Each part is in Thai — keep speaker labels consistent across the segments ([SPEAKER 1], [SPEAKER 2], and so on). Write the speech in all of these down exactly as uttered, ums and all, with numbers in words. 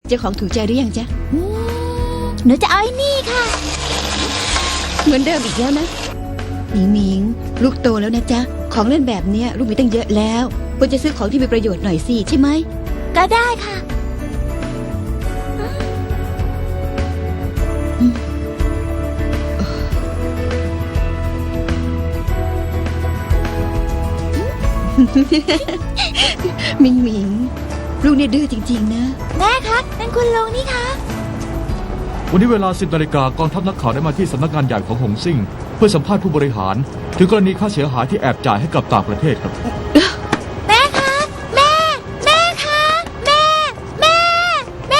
[SPEAKER 1] เจ้าของถูกใจหรือยังจ๊ะ
[SPEAKER 2] อืมหนูจะเอาไอ้นี่ค่ะ
[SPEAKER 1] เหมือนเดิมอีกแล้วนะหมิงหมิงลูกโตแล้วนะจ๊ะของเล่นแบบเนี้ยลูกมีตั้งเยอะแล้วควรจะซื้อของที่มีประโยชน์หน่อยสิใช่ไหม
[SPEAKER 2] ก็ได้ค่ะ
[SPEAKER 1] หมิงหมิงลูกเนี่ยดื้อจริงๆนะ
[SPEAKER 2] แม่คะนั่นคุณลุงนี่คะ
[SPEAKER 3] วันนี้เวลาสิบนาฬิกากองทัพนักข่าวได้มาที่สำนักงานใหญ่ของหงซิ่งเพื่อสัมภาษณ์ผู้บริหาร ถึงกรณีค่าเสียหายที่แอบจ่ายให้กับต่างประเทศครับ
[SPEAKER 2] แม่คะแม่แม่คะแม่แม่แม่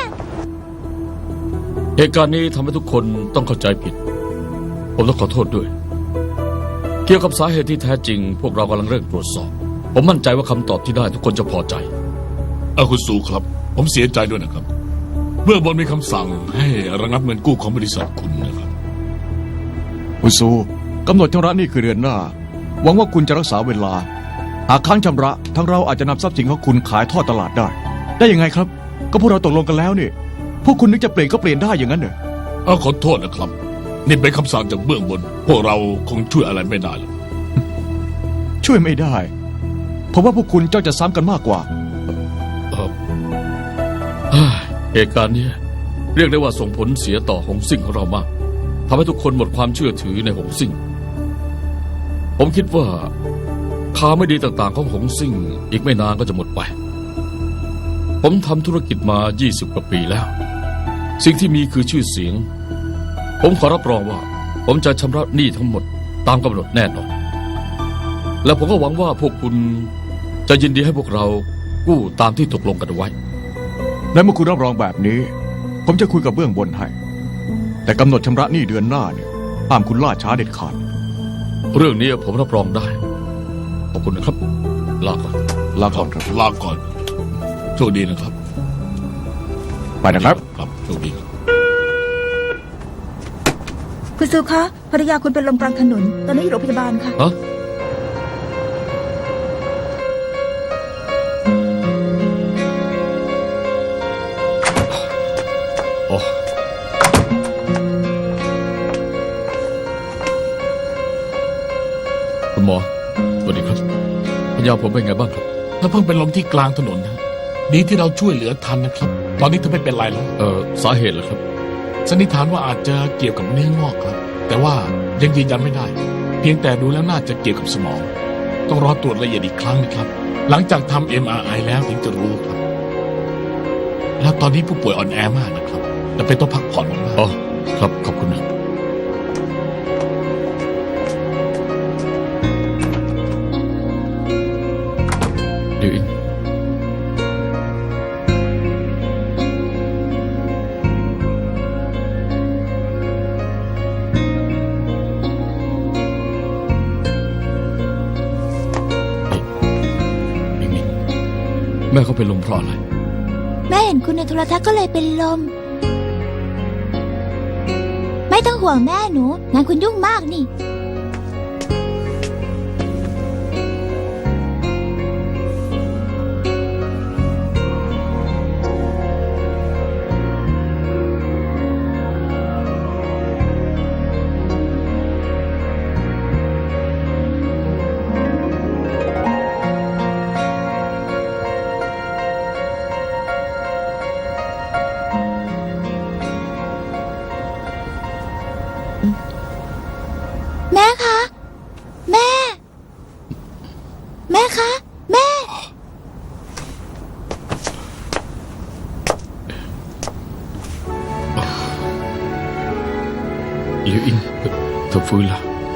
[SPEAKER 4] เหตุการณ์นี้ทำให้ทุกคนต้องเข้าใจผิด ผมต้องขอโทษด้วย เกี่ยวกับสาเหตุที่แท้จริง พวกเรากำลังเร่งตรวจสอบ ผมมั่นใจว่าคำตอบที่ได้ทุกคนจะพอใจ
[SPEAKER 5] อาคุณสูครับ ผมเสียใจด้วยนะครับ เมื่อบนมีคำสั่งให้ระงับเงินกู้ของบริษัทคุณนะครับ
[SPEAKER 3] คุณซูกำหนดชำระหนี้คือเดือนหน้า หวังว่าคุณจะรักษาเวลา หากค้างชำระทั้งเราอาจจะนำทรัพย์สินของคุณขายทอดตลาดได้ ได้ยังไงครับ ก็พวกเราตกลงกันแล้วนี่ พวกคุณนึกจะเปลี่ยนก็เปลี่ยนได้อย่างนั้นเหรอ
[SPEAKER 5] เอาขอโทษนะครับ นี่เป็นคำสั่งจากเบื้องบน พวกเราคงช่วยอะไรไม่ได้หรอก
[SPEAKER 3] ช่วยไม่ได้ผมว่าพวกคุณจ้องจะซ้ำกันมากกว่า
[SPEAKER 4] เอ่อเฮ้ยเหตุการณ์นี้เรียกได้ว่าส่งผลเสียต่อหงซิ่งของเรามากทำให้ทุกคนหมดความเชื่อถือในหงซิ่ง ผมคิดว่าข่าวไม่ดีต่างๆของหงซิ่งอีกไม่นานก็จะหมดไป ผมทำธุรกิจมา ยี่สิบ กว่าปีแล้ว สิ่งที่มีคือชื่อเสียง ผมขอรับรองว่า ผมจะชำระหนี้ทั้งหมดตามกำหนดแน่นอน และผมก็หวังว่าพวกคุณจะยินดีให้พวกเรากู้ตามที่ตกลงกันไว้
[SPEAKER 3] ในเมื่อคุณรับรองแบบนี้ ผมจะคุยกับเบื้องบนให้ แต่กำหนดชำระหนี้เดือนหน้าเนี่ยห้ามคุณล่าช้าเด็ดขาด
[SPEAKER 4] เรื่องนี้ผมรับรองได้ ขอบคุณนะครับ ลาก่อน
[SPEAKER 3] ลาก่อนครับ
[SPEAKER 5] ลาก่อน โชคดีนะครับ
[SPEAKER 3] ไปนะครับ
[SPEAKER 5] ครับโชคดีครับ
[SPEAKER 2] คุณซูคะภรรยาคุณเป็นลมกลางถนนตอนนี้อยู่โรงพยาบาลค่ะ
[SPEAKER 4] ฮะ โอ้คุณหมอ สวัสดีครับพยาผมเป็นไงบ้างครับ
[SPEAKER 5] ถ้าเพิ่งเป็นลมที่กลางถนนนะดีที่เราช่วยเหลือทันนะครับ ตอนนี้เธอไม่เป็นไรแล้ว
[SPEAKER 4] เอ่อ สาเหตุเหรอครับ
[SPEAKER 5] สันนิษฐานว่าอาจจะเกี่ยวกับเนื้องอกครับ แต่ว่ายังยืนยันไม่ได้ เพียงแต่ดูแล้วน่าจะเกี่ยวกับสมอง ต้องรอตรวจละเอียดอีกครั้งนะครับ หลังจากทำ เอ็ม อาร์ ไอ แล้วถึงจะรู้ครับ แล้วตอนนี้ผู้ป่วยอ่อนแอมากนะครับจะเป็นต้องพักผ่อนมาก
[SPEAKER 4] อ๋อ ครับ ขอบคุณนะเดี๋ยวอินนี่มิงแม่เขาเป็นลมเพราะอะไร
[SPEAKER 2] แม่เห็นคุณในโทรทัศน์ก็เลยเป็นลม ไม่ต้องห่วงแม่หนูงานคุณยุ่งมากนี่แม่คะ แม่ แม่คะ แม่
[SPEAKER 4] เดี๋ยวอินเธอเธอฟื้นแล้ว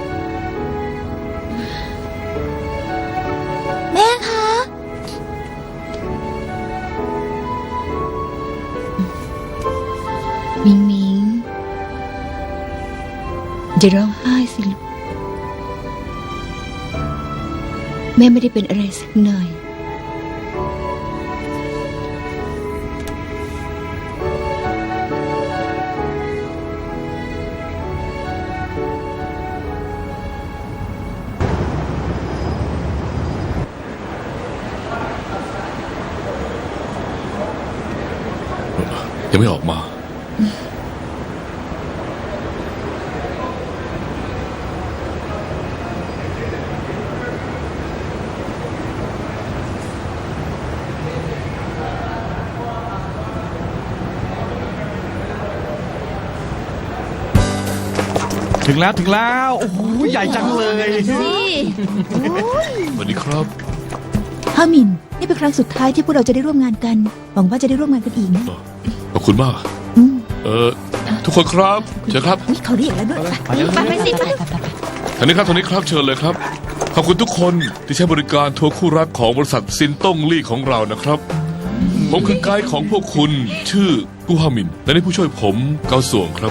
[SPEAKER 2] แม่คะ
[SPEAKER 1] หมิงหมิงอย่าร้องไห้สิลูกแม่ไม่ได้เป็นอะไรสักหน่อย
[SPEAKER 4] ยังไม่ออกมา
[SPEAKER 3] ถึงแล้วถึงแล้ว โอ้โหใหญ่จังเลย
[SPEAKER 1] สิ
[SPEAKER 4] สวัสดีครับ
[SPEAKER 2] ฮามิน นี่เป็นครั้งสุดท้ายที่พวกเราจะได้ร่วมงานกัน หวังว่าจะได้ร่วมงานกันอีกนะ
[SPEAKER 4] ขอบคุณมาก
[SPEAKER 2] อืม
[SPEAKER 4] เออ ทุกคนครับเชิญครับ
[SPEAKER 2] นี่เขาเรียกแล้วด้วย
[SPEAKER 1] ไปไปสิไป
[SPEAKER 4] ทางนี้ครับทางนี้ครับเชิญเลยครับ ขอบคุณทุกคนที่ใช้บริการทัวร์คู่รักของบริษัทซินต้งลี่ของเรานะครับ ผมคือไกด์ของพวกคุณชื่อกูฮามิน และนี่ผู้ช่วยผมเกาส่วงครับ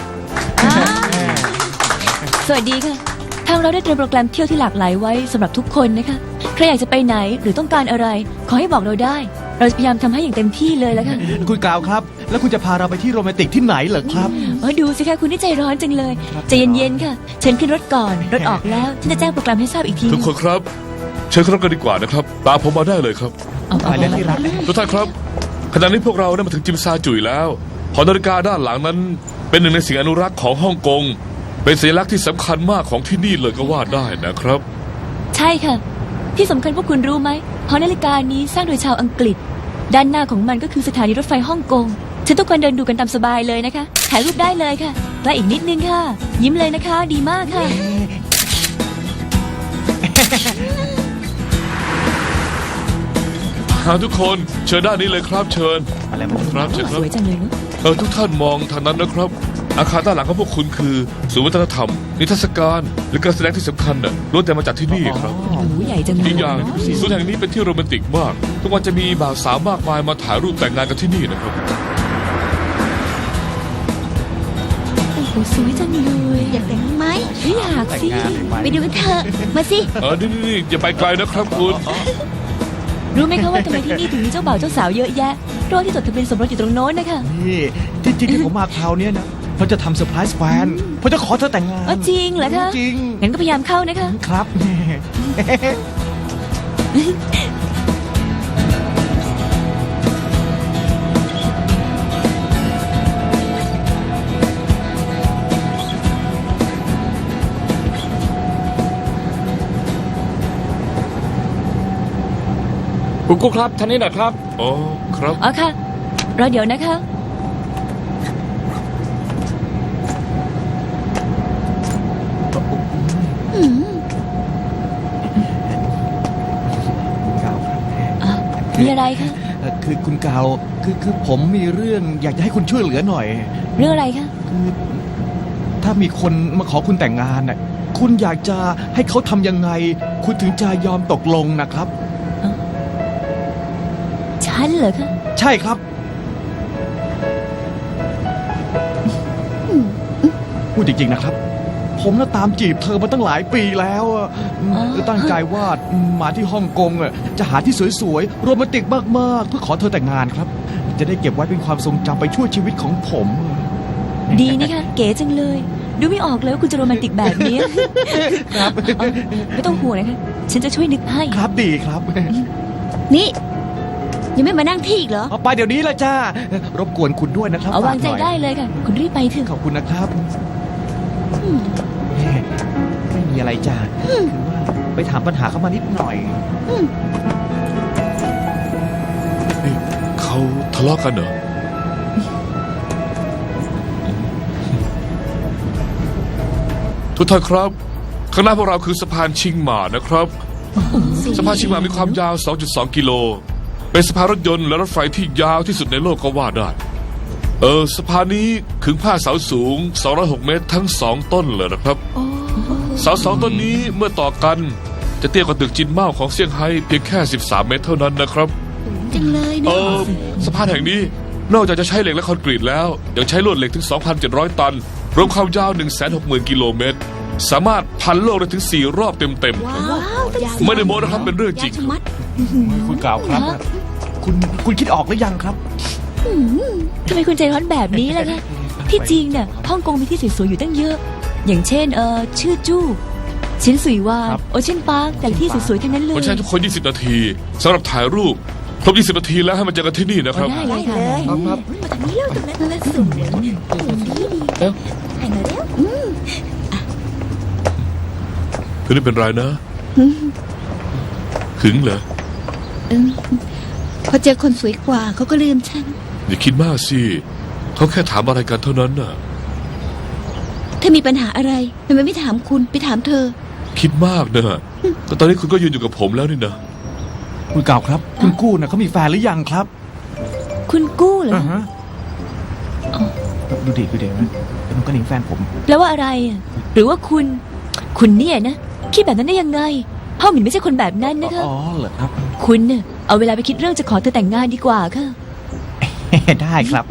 [SPEAKER 6] สวัสดีค่ะ ทางเราได้เตรียมโปรแกรมเที่ยวที่หลากหลายไว้สำหรับทุกคนนะคะ ใครอยากจะไปไหนหรือต้องการอะไร ขอให้บอกเราได้ เราจะพยายามทำให้อย่างเต็มที่เลยแล้วค่ะ
[SPEAKER 3] คุณกล่าวครับ แล้วคุณจะพาเราไปที่โรแมนติกที่ไหนเหรอครับ
[SPEAKER 6] เออดูสิคะคุณนี่ใจร้อนจังเลยใจเย็นๆค่ะ เชิญขึ้นรถก่อน รถออกแล้วฉันจะแจ้งโปรแกรมให้ทราบอีกที
[SPEAKER 4] ทุกคนครับ เชิญเข้ากันดีกว่านะครับตามผมมาได้เลยครับ
[SPEAKER 6] เอาเอา
[SPEAKER 3] ไปเลยที่รัก
[SPEAKER 4] ทุกท่านครับขณะนี้พวกเราได้มาถึงจิมซาจุยแล้วหอนาฬิกาด้านหลังนั้น เป็นหนึ่งในสิ่งอนุรักษ์ของฮ่องกงเป็นสัญลักษณ์ที่สำคัญมากของที่นี่เลยก็ว่าได้นะครับ
[SPEAKER 6] ใช่ค่ะ ที่สำคัญพวกคุณรู้ไหมหอนาฬิกานี้สร้างโดยชาวอังกฤษ ด้านหน้าของมันก็คือสถานีรถไฟฮ่องกงเชิญทุกคนเดินดูกันตามสบายเลยนะคะถ่ายรูปได้เลยค่ะและอีกนิดนึงค่ะ ยิ้มเลยนะคะ ดีมากค่ะ
[SPEAKER 4] หาทุกคนเชิญด้านนี้เลยครับเชิญ
[SPEAKER 3] อะไรมัน
[SPEAKER 4] ครับเชิญค
[SPEAKER 6] ส
[SPEAKER 4] รับ
[SPEAKER 6] วยจังเลยเนอะ
[SPEAKER 4] เออทุกท่านมองทางนั้นนะครับ อาคารด้านหลังของพวกคุณคือศูนย์วัฒนธรรม นิทรรศการหรือการแสดงที่สำคัญน่ะล้วนแต่มาจากที่นี่ครับ
[SPEAKER 6] โอ้โหใหญ่จังเลย
[SPEAKER 4] อีกอย่างศูนย์แห่งนี้เป็นที่โรแมนติกมาก ทุกวันจะมีบ่าวสาวมากมายมาถ่ายรูปแต่งงานกันที่นี่นะครับ
[SPEAKER 6] โอ้โหสวยจังเลย
[SPEAKER 1] อยากแต่งไหม
[SPEAKER 6] ไม่อยากสิ
[SPEAKER 1] ไปดูกันเถอะ มาสิ
[SPEAKER 4] เออนี่นี่นี่อย่าไปไกลนะครับคุณ
[SPEAKER 6] รู้ไหมคะว่าทำไมที่นี่ถึงมีเจ้าบ่าวเจ้าสาวเยอะแยะเพราะว่าที่จดทะเบียนสมรสอยู่ตรงโน้นนะคะ
[SPEAKER 3] นี่ที่จริงที่ผมมาคราวเนี้ยนะเขาจะทำเซอร์ไพรส์แฟนเขาจะขอเธอแต่งงาน
[SPEAKER 6] เออจริงเหรอคะ
[SPEAKER 3] จริง
[SPEAKER 6] งั้นก็พยายามเข้านะคะ
[SPEAKER 3] ครับ
[SPEAKER 7] คุณกุ๊กครับท่านนี้หน่อยครับ
[SPEAKER 4] อ๋อครับ
[SPEAKER 6] อ๋อค่ะ รอเดี๋ยวนะคะ
[SPEAKER 3] คุณกาวครับ
[SPEAKER 6] อ่ะมีอะไรคะ
[SPEAKER 3] เอ่อคือคุณกาวคือคือผมมีเรื่องอยากจะให้คุณช่วยเหลือหน่อย
[SPEAKER 6] เรื่องอะไรคะ
[SPEAKER 3] คือถ้ามีคนมาขอคุณแต่งงานน่ะคุณอยากจะให้เขาทำยังไง คุณถึงจะยอมตกลงนะครับ
[SPEAKER 6] ฉันเหรอคะ
[SPEAKER 3] ใช่ครับ พูดจริงๆนะครับ ผมน่ะตามจีบเธอมาตั้งหลายปีแล้วอะตั้งใจว่ามาที่ฮ่องกงอะจะหาที่สวยๆโรแมนติกมากๆเพื่อขอเธอแต่งงานครับ จะได้เก็บไว้เป็นความทรงจำไปชั่วชีวิตของผม
[SPEAKER 6] ดีนี่ค่ะ เก๋จังเลย ดูไม่ออกเลยว่าคุณจะโรแมนติกแบบนี้
[SPEAKER 3] ครับ
[SPEAKER 6] เอาไม่ต้องห่วงนะคะ ฉันจะช่วยนึกให้
[SPEAKER 3] ครับดีครับ
[SPEAKER 1] นี่ ยังไม่มานั่งที่อีกเหรอ
[SPEAKER 3] เอาไปเดี๋ยวนี้ละจ้า รบกวนคุณด้วยนะครับ
[SPEAKER 6] เอาวางใจ
[SPEAKER 3] ฝกหน่อย
[SPEAKER 6] ได้เลยค่ะ คุณรีบไปเถอะ
[SPEAKER 3] ขอบคุณนะครับแม่ไม่มีอะไรจ้าคือว่าไปถามปัญหาเข้ามานิดหน่อย
[SPEAKER 4] นี่เขาทะเลาะกันเหรอ ทุกท่านครับ ข้างหน้าพวกเราคือสะพานชิงหมานะครับ สะพานชิงหมามีความยาว สองจุดสอง กิโล เป็นสะพานรถยนต์และรถไฟที่ยาวที่สุดในโลกก็ว่าได้ เออสะพานนี้ขึงผ้าเสาสูง สองร้อยหก เมตรทั้งสองต้นเลยนะครับ เสาสองต้นนี้เมื่อต่อกัน จะเตี้ยกว่าตึกจินเม่าของเซี่ยงไฮ้เพียงแค่ สิบสาม เมตรเท่านั้นนะครับ
[SPEAKER 1] จังเลย
[SPEAKER 4] เอ
[SPEAKER 1] เนี่ย
[SPEAKER 4] อสะพานแห่งนี้นอกจากจะใช้เหล็กและคอนกรีตแล้วยังใช้ลวดเหล็กถึง สองพันเจ็ดร้อย ตัน รวมความยาว หนึ่งแสนหกหมื่น กิโลเมตร สามารถพันโลกได้ถึง สี่ รอบเต็มๆครับ
[SPEAKER 1] ว้าวตั้ง
[SPEAKER 4] ไม่ได้โม้นะครับเป็นเรื่องจริง
[SPEAKER 1] ยาวชะมัด
[SPEAKER 3] คุณกล่าวครับ คุณคุณคิดออกหรือยังครับ
[SPEAKER 6] ทำไมคุณใจร้อนแบบนี้ล่ะคะ ที่จริงเนี่ยฮ่องกงมีที่สวยๆอยู่ตั้งเยอะ อย่างเช่นเอ่อชื่อจู้ชินสุยวา
[SPEAKER 3] ครับ
[SPEAKER 6] โอเชียนพาร์คแต่ละที่สวยๆทั้งนั้นเล
[SPEAKER 4] ๆ
[SPEAKER 6] ย
[SPEAKER 4] คนใช้ทุกคน ยี่สิบ นาทีสำหรับถ่ายรูป
[SPEAKER 8] ครบยี่สิบนาทีแล้วให้มันเจอกันที่นี่นะครับ
[SPEAKER 6] ได้เลยค่ะ
[SPEAKER 4] ครับครับ
[SPEAKER 2] มาทางนี้เร็วตรงนั้นตรงนั้นสูงเร็วดีดี
[SPEAKER 4] เอ้า
[SPEAKER 2] ให้มาเร็ว
[SPEAKER 8] คือไม่เป็นไรนะหึงเหรอ
[SPEAKER 1] เออพอเจอคนสวยกว่าเขาก็ลืมฉัน
[SPEAKER 8] อย่าคิดมากสิเขาแค่ถามอะไรกันเท่านั้นน่ะ
[SPEAKER 1] ถ้ามีปัญหาอะไรทำไมไม่ถามคุณไปถามเธอ
[SPEAKER 8] คิดมากนะก็ตอนนี้คุณก็ยืนอยู่กับผมแล้วนี่นะ
[SPEAKER 3] คุณเก่าครับ คุณกู้นะเขามีแฟนหรือยังครับ
[SPEAKER 6] คุณกู้เหรอ
[SPEAKER 3] อ่าฮะดูดิดูดินะเป็นน้องกระหนิงแฟนผม
[SPEAKER 6] แปลว่าอะไรอะหรือว่าคุณ คุณเนี่ยนะคิดแบบนั้นได้ยังไงพ่อหมินไม่ใช่คนแบบนั้นนะคะ
[SPEAKER 3] อ๋อเหรอครับ
[SPEAKER 6] คุณเนี่ยเอาเวลาไปคิดเรื่องจะขอเธอแต่งงานดีกว่าค่ะ
[SPEAKER 3] ได้ครับ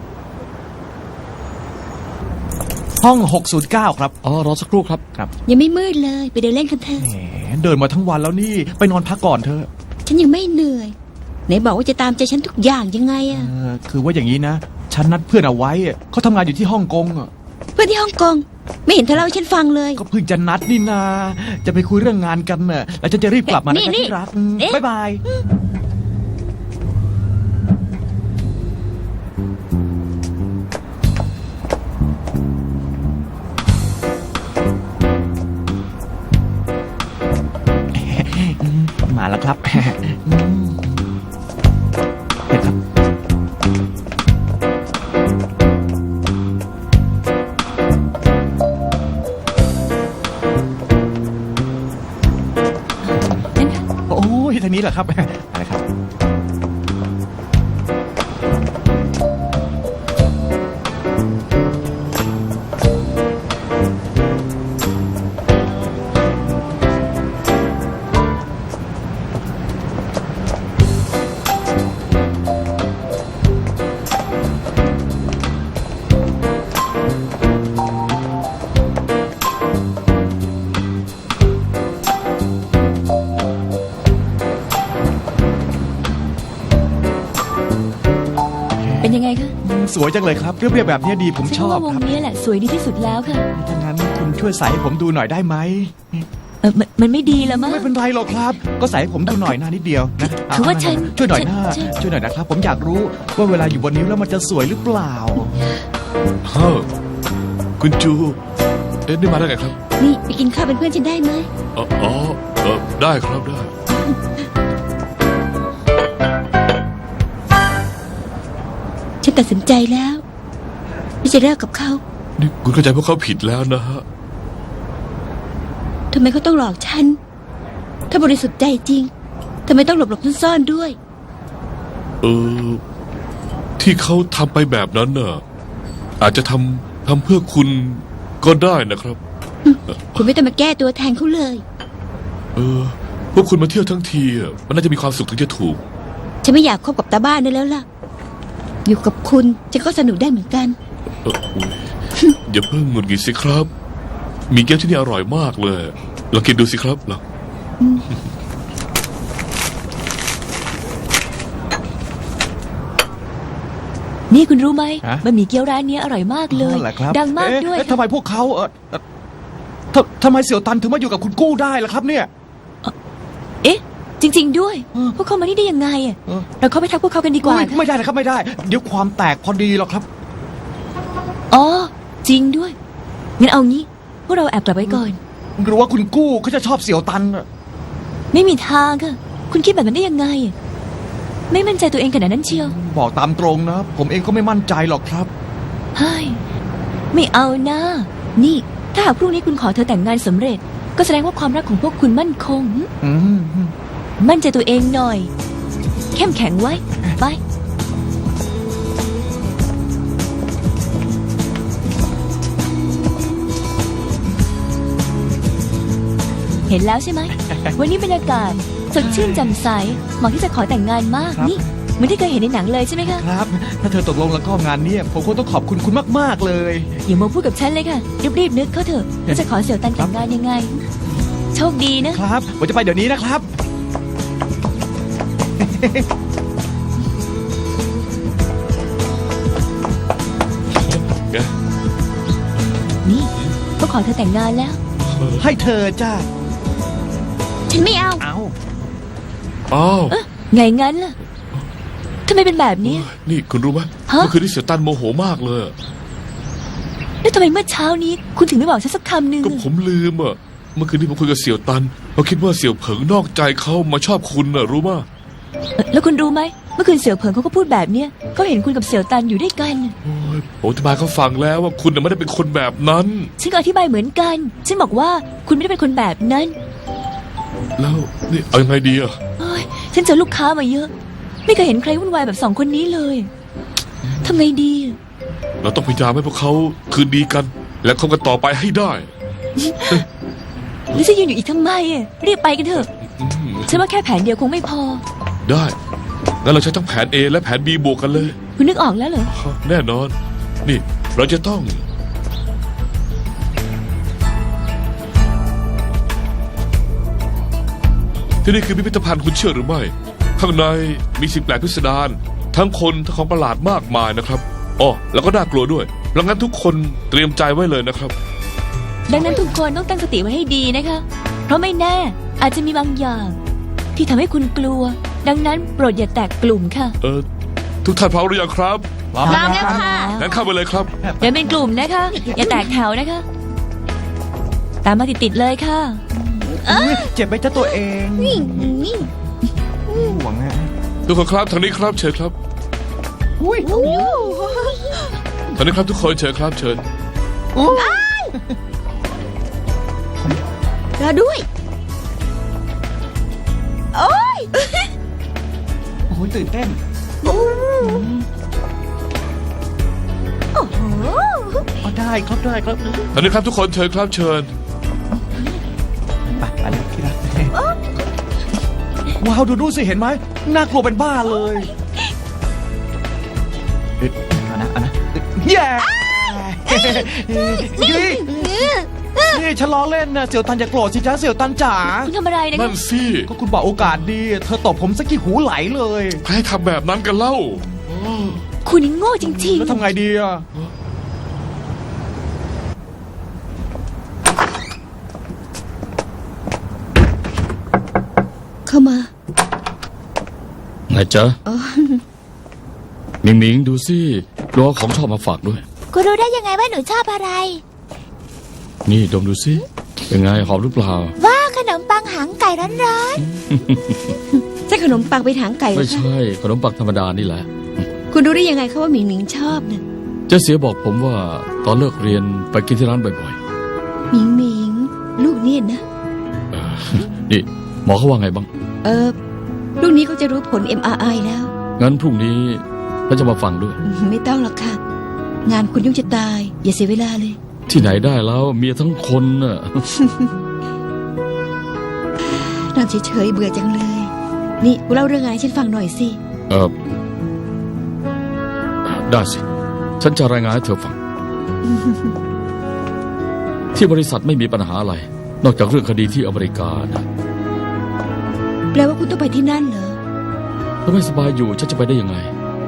[SPEAKER 3] ห้องหกศูนย์เก้าครับ
[SPEAKER 4] อ๋อรอสักครู่ครับ
[SPEAKER 1] ยังไม่มืดเลยไปเดินเล่นกันเถอะ
[SPEAKER 3] แหมเดินมาทั้งวันแล้วนี่ไปนอนพักก่อนเถอะ
[SPEAKER 1] ฉันยังไม่เหนื่อยไหนบอกว่าจะตามใจฉันทุกอย่างยังไง
[SPEAKER 3] เอ
[SPEAKER 1] อะ
[SPEAKER 3] อคือว่าอย่างนี้นะฉันนัดเพื่อนเอาไว้อะเขาทำงานอยู่ที่ฮ่องกงอะ
[SPEAKER 1] เพื่อนที่ฮ่องกงไม่เห็นเธอเล่าให้ฉันฟังเลย
[SPEAKER 3] ก็เพิ่งจะนัดนี่นา จะไปคุยเรื่องงานกันน่ะแล้วฉันจะรีบกลับมานะ
[SPEAKER 1] นี่
[SPEAKER 3] คะ
[SPEAKER 1] นี่
[SPEAKER 3] ที่รักอืม
[SPEAKER 1] เอ๊ะ
[SPEAKER 3] บ๊ายบาย มาแล้วครับ อืมเห็นครับ
[SPEAKER 6] นั่นค่ะ
[SPEAKER 3] โอ้ยทางนี้แหละครับ อะไรครับ
[SPEAKER 6] เป็นยังไงคะ
[SPEAKER 3] สวยจังเลยครับ เรียบๆแบบนี้ดีผมชอบ
[SPEAKER 6] ว่าว
[SPEAKER 3] ค
[SPEAKER 6] ง
[SPEAKER 3] รับ
[SPEAKER 6] นี้แหละสวยดีที่สุดแล้วค่ะ
[SPEAKER 3] ถ้างั้นคุณช่วยใส่ให้ผมดูหน่อยได้ไหม
[SPEAKER 6] เออมันมันไม่ดีแล้วมั้ง
[SPEAKER 3] ไม่เป็นไรหรอกครับ ก็ใส่ให้ผมดูหน่อยหน้านิดเดียวนะเ
[SPEAKER 6] คือว่าฉัน
[SPEAKER 3] ช่วยหน่อยหน้า
[SPEAKER 6] ฉัน
[SPEAKER 3] ช่วยหน่อยนะครับ ผมอยากรู้ว่าเวลาอยู่บนนิ้วแล้วมันจะสวยหรือเปล่า
[SPEAKER 8] เฮ้อคุณจู เอ๊ะนี่มาได้ไงครับ
[SPEAKER 1] นี่ไปกินข้าวเป็นเพื่อนฉันได้ไหม
[SPEAKER 8] อ๋ออ๋อเออได้ครับได้
[SPEAKER 1] ฉันตัดสินใจแล้วที่จะเลิกกับเขา
[SPEAKER 8] นี่คุณเข้าใจพวกเขาผิดแล้วนะฮะ
[SPEAKER 1] ทำไมเขาต้องหลอกฉันถ้าบริสุทธิ์ใจจริงทำไมต้องหลบหลบซ่อนๆด้วย
[SPEAKER 8] เออ ที่เขาทำไปแบบนั้นน่ะ อาจจะทำทำเพื่อคุณก็ได้นะครับ
[SPEAKER 1] คุณไม่ต้องมาแก้ตัวแทนเขาเลย
[SPEAKER 8] เออ พวกคุณมาเที่ยวทั้งทีอ่ะมันน่าจะมีความสุขถึงจะถูก
[SPEAKER 1] ฉันไม่อยากคบกับตาบ้านได้แล้วล่ะ อยู่กับคุณฉันก็สนุกได้เหมือนกัน
[SPEAKER 8] เอออุ๊ยอย่าเพิ่งหงุดหงิดสิครับ มีแก้วที่นี่อร่อยมากเลยลองกินดูสิครับลอง
[SPEAKER 6] นี่คุณรู้ไหม
[SPEAKER 3] ฮะ
[SPEAKER 6] บะหมี่เกี๊ยวร้านเนี้ยอร่อยมากเลย
[SPEAKER 3] นั่นแหละครับ
[SPEAKER 6] ดังมาก
[SPEAKER 3] เอ๊ะ
[SPEAKER 6] ด้วย
[SPEAKER 3] เอ๊ะทำไมพวกเขาเออเอ่อทำทำไมเสี่ยวตันถึงมาอยู่กับคุณกู้ได้ล่ะครับเนี่ย
[SPEAKER 6] เอ๊ะ จริง ๆ ด้วย
[SPEAKER 3] เออ
[SPEAKER 6] พวกเขามานี่ได้ยังไงอะ
[SPEAKER 3] เออ
[SPEAKER 6] เราเข้าไปทักพวกเขากันดีกว่า
[SPEAKER 3] ไม่
[SPEAKER 6] ค่ะ
[SPEAKER 3] ไม่ได้นะครับไม่ได้ เดี๋ยวความแตกพอดีหรอกครับ
[SPEAKER 6] อ๋อ จริงด้วย งั้นเอางี้ พวกเราแอบกลับไว้ก่อน
[SPEAKER 3] หรือว่าคุณกู้เขาจะชอบเสี่ยวตันน่ะ
[SPEAKER 6] ไม่มีทางค่ะ คุณคิดแบบนั้นได้ยังไง ไม่มั่นใจตัวเองขนาดนั้นเชียว
[SPEAKER 3] บอกตามตรงนะ ผมเองก็ไม่มั่นใจหรอกครับ
[SPEAKER 6] เฮ้ย ไม่เอานะ นี่ ถ้าหากพรุ่งนี้คุณขอเธอแต่งงานสำเร็จ ก็แสดงว่าความรักของพวกคุณมั่นคง
[SPEAKER 3] อืม
[SPEAKER 6] มั่นใจตัวเองหน่อย เข้มแข็งไว้ ไป เห็นแล้วใช่ไหม วันนี้บรรยากาศสดชื่นแจ่มใสเหมาะที่จะขอแต่งงานมาก
[SPEAKER 3] ครับ
[SPEAKER 6] นี่เหมือนที่เคยเห็นในหนังเลยใช่ไหมคะ
[SPEAKER 3] ครับ ถ้าเธอตกลงแล้วก็งานเนี้ยผมคงต้องขอบคุณคุณมากๆเลย
[SPEAKER 6] อย่ามาพูดกับฉันเลยค่ะ รีบๆนึกเขาเถอะว่าจะขอเสี่ยวตันแต่งงานยังไง โชคดีนะ
[SPEAKER 3] ครับผมจะไปเดี๋ยวนี้นะครับ
[SPEAKER 8] ไง
[SPEAKER 6] นี่ก็ขอเธอแต่งงานแล้ว
[SPEAKER 3] ให้เธอจ้า
[SPEAKER 1] ฉันไม่เอา
[SPEAKER 3] เอา
[SPEAKER 8] อ้าว
[SPEAKER 6] ไงงั้นล่ะทำไมเป็นแบบนี้
[SPEAKER 8] นี่คุณรู้ไหม
[SPEAKER 6] ฮะ
[SPEAKER 8] เมื่อคืนที่เสียตันโมโหมากเลย
[SPEAKER 6] แล้วทำไมเมื่อเช้านี้ คุณถึงไม่บอกฉันสักคำหนึ่ง
[SPEAKER 8] ก็ผมลืมอ่ะ เมื่อคืนที่ผมคุยกับเสี่ยวตันเขาคิดว่าเสี่ยวเผิงนอกใจเขามาชอบคุณน่ะรู้มั้ย
[SPEAKER 6] เอ่อแล้วคุณรู้ไหมเมื่อคืนเสี่ยวเผิงเขาก็พูดแบบเนี้ยเขาเห็นคุณกับเสี่ยวตันอยู่ด้วยกัน
[SPEAKER 8] โอ้ยผมอธิบายเขาฟังแล้วว่าคุณน่ะไม่ได้เป็นคนแบบนั้น
[SPEAKER 6] ฉันก็อธิบายเหมือนกัน ฉันบอกว่าคุณไม่ได้เป็นคนแบบนั้น
[SPEAKER 8] แล้วนี่เอายังไงดีอ่ะ
[SPEAKER 6] เฮ้ยฉันเจอลูกค้ามาเยอะ ไม่เคยเห็นใครวุ่นวายแบบสองคนนี้เลยทำไงดี
[SPEAKER 8] เราต้องพยายามให้พวกเขาคืนดีกัน และคบกันต่อไปให้ได้
[SPEAKER 6] แล้วจะยืนอยู่อีกทำไมอะรีบไปกันเถอะ
[SPEAKER 8] อืม
[SPEAKER 6] ฉันว่าแค่แผนเดียวคงไม่พอ
[SPEAKER 8] ได้งั้นเราใช้ทั้งแผน A และแผน B บวกกันเลย
[SPEAKER 6] คุณนึกออกแล้วเหรอ
[SPEAKER 8] แน่นอน นี่เราจะต้อง ที่นี่คือพิพิธภัณฑ์คุณเชื่อหรือไม่ ข้างในมีสิ่งแปลกพิสดารทั้งคนทั้งของประหลาดมากมายนะครับอ๋อแล้วก็น่ากลัวด้วยดังนั้นทุกคนเตรียมใจไว้เลยนะครับ
[SPEAKER 6] ดังนั้นทุกคนต้องตั้งสติไว้ให้ดีนะคะ เพราะไม่แน่อาจจะมีบางอย่าง ที่ทำให้คุณกลัว ดังนั้นโปรดอย่าแตกกลุ่มค่ะ
[SPEAKER 8] เออทุกท่านพร้อมหรือยังครับ
[SPEAKER 1] พร้อมแล้วค่ะ
[SPEAKER 8] งั้นเข้าไปเลยครับ
[SPEAKER 6] เดินเป็นกลุ่มนะคะ อย่าแตกแถวนะคะ ตามมาติดๆเลยค่ะ
[SPEAKER 3] เจ็บไหมจ้าตัวเองห่วงฮะ
[SPEAKER 8] ทุกคนครับทางนี้ครับเชิญครับทางนี้ครับทุกคนเชิญครับเชิญ
[SPEAKER 1] เราด้วย
[SPEAKER 3] โอ้ยตื่นเต้น
[SPEAKER 1] โอ้โห
[SPEAKER 3] อ๋อได้ครับได้ครับ
[SPEAKER 8] ทางนี้ครับทุกคนเชิญครับเชิญ
[SPEAKER 3] ไปไปเลยที่รักว้าวดูดูสิเห็นไหมน่ากลัวเป็นบ้าเลยเอ๊ะเอานะเอานะแย่นี่นี่ฉันล้อเล่นนะเสี่ยวตันอย่าโกรธสิจ้าเสี่ยวตันจ๋า
[SPEAKER 6] คุณทำอะไรนะ
[SPEAKER 8] นั่
[SPEAKER 6] คะ
[SPEAKER 8] นสิ
[SPEAKER 3] ก็คุณบอกโอกาสดี เธอตบผมสักกี่หูไหลเลย
[SPEAKER 8] ใครให้ทำแบบนั้นกันเล่า
[SPEAKER 6] คุณนี่โง่จริง
[SPEAKER 3] แล้วทำไงดีอ่ะ
[SPEAKER 1] เข้ามา
[SPEAKER 4] ไงจ๊ะ
[SPEAKER 1] อ๋อ
[SPEAKER 4] หมิงหมิงดูสิรอของชอบมาฝากด้วย
[SPEAKER 2] คุณรู้ได้ยังไงว่าหนูชอบอะไร
[SPEAKER 4] นี่ดมดูสิเป็นไงหอมหรือเปล่า
[SPEAKER 2] ว่าขนมปังหางไก่ร้อน
[SPEAKER 1] ใช่ขนมปังไปถางไก่เหร
[SPEAKER 4] ไม่
[SPEAKER 1] อคะ
[SPEAKER 4] ใช่ขนมปังธรรมดานี่แหละ
[SPEAKER 1] คุณรู้ได้ยังไงคะว่าหมิงหมิงชอบนะ
[SPEAKER 4] เจ๊เสียบอกผมว่าตอนเลิกเรียนไปกินที่ร้านบ่อย
[SPEAKER 1] หมิงหมิงลูกเนี่ยนะ
[SPEAKER 4] ๆเออนี่หมอเขาว่าไงบ้าง
[SPEAKER 1] เออลูกนี้เขาจะรู้ผล เอ็ม อาร์ ไอ แล้ว
[SPEAKER 4] งั้นพรุ่งนี้ฉันจะมาฟังด้วย
[SPEAKER 1] ไม่ต้องหรอกค่ะ งานคุณยุ่งจะตาย อย่าเสียเวลาเลย
[SPEAKER 4] ที่ไหนได้แล้วเมียทั้งคนน่ะ
[SPEAKER 1] นอนเฉยๆเบื่อจังเลย นี่กูเล่าเรื่องงานให้ฉันฟังหน่อยสิ
[SPEAKER 4] เออได้สิ ฉันจะรายงานให้เธอฟัง ที่บริษัทไม่มีปัญหาอะไร นอกจากเรื่องคดีที่อเมริกานะ
[SPEAKER 1] แปลว่าคุณต้องไปที่นั่นเหรอ
[SPEAKER 4] ถ้าไม่สบายอยู่ฉันจะไปได้ยังไง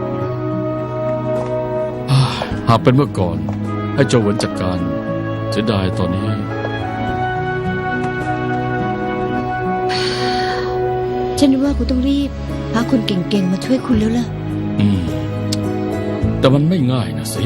[SPEAKER 4] อ่าหากเป็นเมื่อก่อน ให้โจเหวินจัดการเสียดายตอนนี้
[SPEAKER 1] ฉันว่าคุณต้องรีบหาคนเก่งๆมาช่วยคุณแล้วล่ะ
[SPEAKER 4] อืม แต่มันไม่ง่ายนะสิ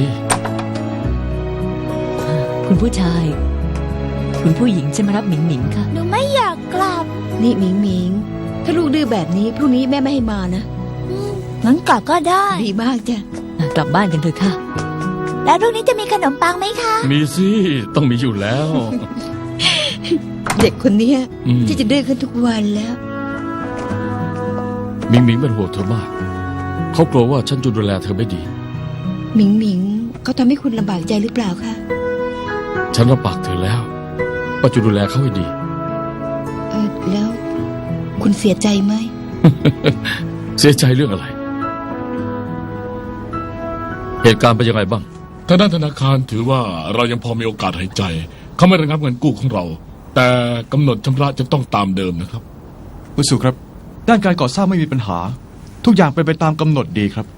[SPEAKER 6] ๆ คุณผู้ชาย คุณผู้หญิงจะมารับหมิงหมิงค่ะ
[SPEAKER 2] ๆ หนูไม่อยากกลับ
[SPEAKER 1] นี่หมิงหมิง ถ้าลูกดื้อแบบนี้พรุ่งนี้แม่ไม่ให้มานะ
[SPEAKER 2] อืมงั้นกลับก็ได้
[SPEAKER 1] ดีมากจ้ะ
[SPEAKER 6] กลับบ้านกันเถอะค่ะ
[SPEAKER 2] แล้วพรุ่งนี้จะมีขนมปังไหมคะ
[SPEAKER 4] มีสิ ต้องมีอยู่แล้ว
[SPEAKER 1] เด็กคนเนี้ย
[SPEAKER 4] อืม
[SPEAKER 1] ที่จะดื้อขึ้นทุกวันแล้ว
[SPEAKER 4] หมิงหมิงเป็นห่วงเธอมาก เขากลัวว่าฉันจะดูแลเธอไม่ดี
[SPEAKER 1] หมิงหมิงเขาทำให้คุณลำบากใจหรือเปล่าคะ
[SPEAKER 4] ฉันรับปากเธอแล้วว่าจะดูแลเขาให้ดี
[SPEAKER 1] เออแล้ว คุณเสียใจไหม
[SPEAKER 4] เสียใจเรื่องอะไร เหตุการณ์เป็นยังไงบ้าง
[SPEAKER 5] ทางด้านธนาคารถือว่าเรายังพอมีโอกาสหายใจ เขาไม่ระงับเงินกู้ของเรา แต่กำหนดชำระจะต้องตามเดิมนะครับ
[SPEAKER 3] คุณสุครับ ด้านการก่อสร้างไม่มีปัญหา ทุกอย่างเป็นไปตามกำหนดดีครับ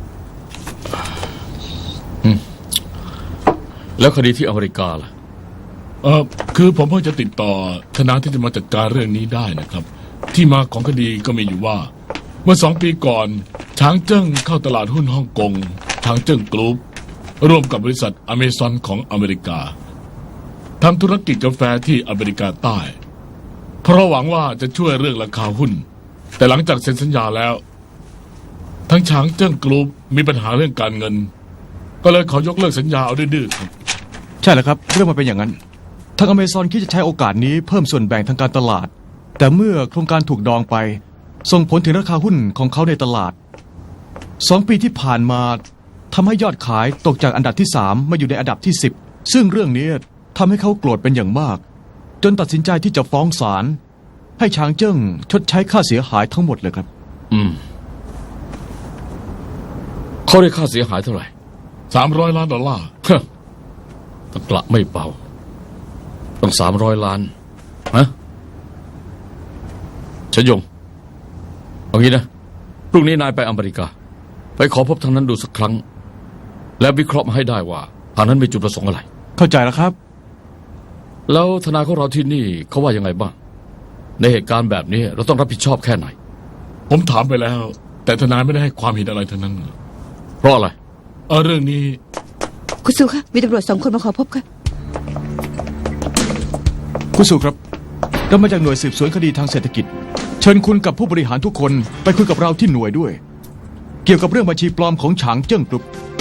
[SPEAKER 4] แล้วคดีที่อเมริกาล่ะ
[SPEAKER 5] เออคือผมเพิ่งจะติดต่อธนาที่จะมาจัดการเรื่องนี้ได้นะครับ ที่มาของคดีก็มีอยู่ว่า เมื่อสองปีก่อนช้างเจิ้งเข้าตลาดหุ้นฮ่องกงช้างเจิ้งกรุ๊ปร่วมกับบริษัทอเมซอนของอเมริกาทำธุรกิจกาแฟที่อเมริกาใต้ เพราะหวังว่าจะช่วยเรื่องราคาหุ้น แต่หลังจากเซ็นสัญญาแล้ว ทั้งช้างเจิ้งกรุ๊ปมีปัญหาเรื่องการเงิน ก็เลยขอยกเลิกสัญญาเอาดื้อๆครับ
[SPEAKER 3] ใช่แล้วครับ เรื่องมันเป็นอย่างนั้นทางอเมซอนคิดจะใช้โอกาสนี้เพิ่มส่วนแบ่งทางการตลาด แต่เมื่อโครงการถูกดองไป ส่งผลถึงราคาหุ้นของเขาในตลาดสองปีที่ผ่านมาทำให้ยอดขายตกจากอันดับที่สามมาอยู่ในอันดับที่สิบซึ่งเรื่องนี้ทำให้เขาโกรธเป็นอย่างมาก จนตัดสินใจที่จะฟ้องศาลให้ช้างเจิ้งชดใช้ค่าเสียหายทั้งหมดเลยครับ
[SPEAKER 4] อืมเขาได้ค่าเสียหายเท่าไหร่
[SPEAKER 5] สามร้อยล้านดอลลาร์
[SPEAKER 4] ฮะตะกละไม่เบาต้องสามร้อยล้านฮะชยงเอางี้นะพรุ่งนี้นายไปอเมริกา ไปขอพบทางนั้นดูสักครั้ง และวิเคราะห์มาให้ได้ว่าทางนั้นมีจุดประสงค์อะไร
[SPEAKER 3] เข้าใจแล้วครับ
[SPEAKER 4] แล้วทนายของเราที่นี่เขาว่ายังไงบ้าง ในเหตุการณ์แบบนี้เราต้องรับผิดชอบแค่ไหน
[SPEAKER 5] ผมถามไปแล้ว แต่ทนายไม่ได้ให้ความเห็นอะไรทั้งนั้น
[SPEAKER 4] เพราะอะไร
[SPEAKER 5] เออเรื่องนี้
[SPEAKER 1] คุณซูคะมีตำรวจสองคนมาขอพบค่ะ
[SPEAKER 3] คุณสุครับเรามาจากหน่วยสืบสวนคดีทางเศรษฐกิจ เชิญคุณกับผู้บริหารทุกคนไปคุยกับเราที่หน่วยด้วย เกี่ยวกับเรื่องบัญชีปลอมของฉางเจิ้งกรุ๊ป